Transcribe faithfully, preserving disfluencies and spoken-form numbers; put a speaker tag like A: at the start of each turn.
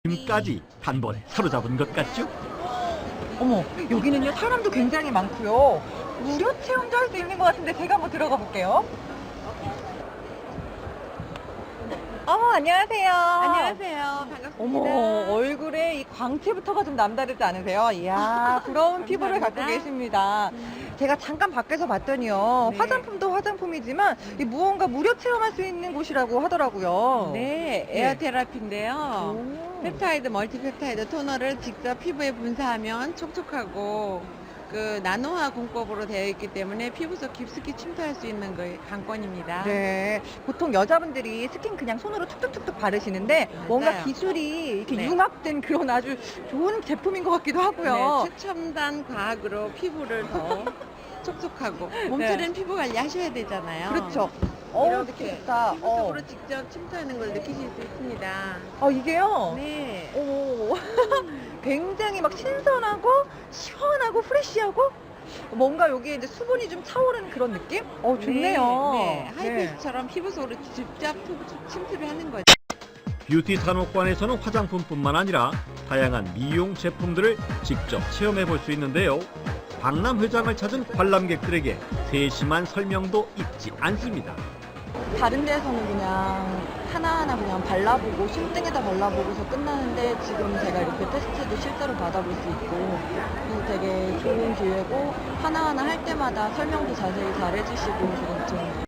A: 힘까지 단번에 사로잡은 것 같죠?
B: 어머, 여기는요 사람도 굉장히 많고요. 무료 체험도 할 수 있는 것 같은데 제가 한번 들어가 볼게요. 어머, 안녕하세요.
C: 안녕하세요. 반갑습니다.
B: 어머, 얼굴에 이 광채부터가 좀 남다르지 않으세요? 이야, 부러운 피부를 갖고
C: 감사합니다.
B: 계십니다. 제가 잠깐 밖에서 봤더니요.
C: 네.
B: 화장품도 화장품이지만 이 무언가 무료 체험할 수 있는 곳이라고 하더라고요.
C: 네, 에어 테라피인데요.
B: 오.
C: 펩타이드, 멀티펩타이드 토너를 직접 피부에 분사하면 촉촉하고 그 나노화 공법으로 되어 있기 때문에 피부 속 깊숙이 침투할 수 있는 그 관건입니다.
B: 네, 보통 여자분들이 스킨 그냥 손으로 툭툭툭툭 바르시는데 뭔가
C: 맞아요.
B: 기술이 이렇게
C: 네.
B: 융합된 그런 아주 좋은 제품인 것 같기도 하고요.
C: 네, 최첨단 과학으로 피부를 더 촉촉하고 몸처럼 피부 관리 하셔야 되잖아요.
B: 그렇죠. 어우,
C: 이렇게
B: 느낌 좋다.
C: 피부
B: 어.
C: 속으로 직접 침투하는 걸 느끼실 수 있습니다.
B: 어, 이게요?
C: 네.
B: 오, 굉장히 막 신선하고 시원하고 프레쉬하고 뭔가 여기에 이제 수분이 좀 차오르는 그런 느낌? 어, 좋네요.
C: 네, 네. 하이패스처럼 피부 속으로 직접 침투를 하는 거죠.
A: 뷰티 산업관에서는 화장품뿐만 아니라 다양한 미용 제품들을 직접 체험해 볼 수 있는데요. 박람 회장을 찾은 관람객들에게 세심한 설명도 잊지 않습니다.
B: 다른 데서는 그냥 하나하나 그냥 발라보고 손등에다 발라보고서 끝나는데 지금 제가 이렇게 테스트도 실제로 받아볼 수 있고 그래서 되게 좋은 기회고 하나하나 할 때마다 설명도 자세히 잘 해주시고 그건 좀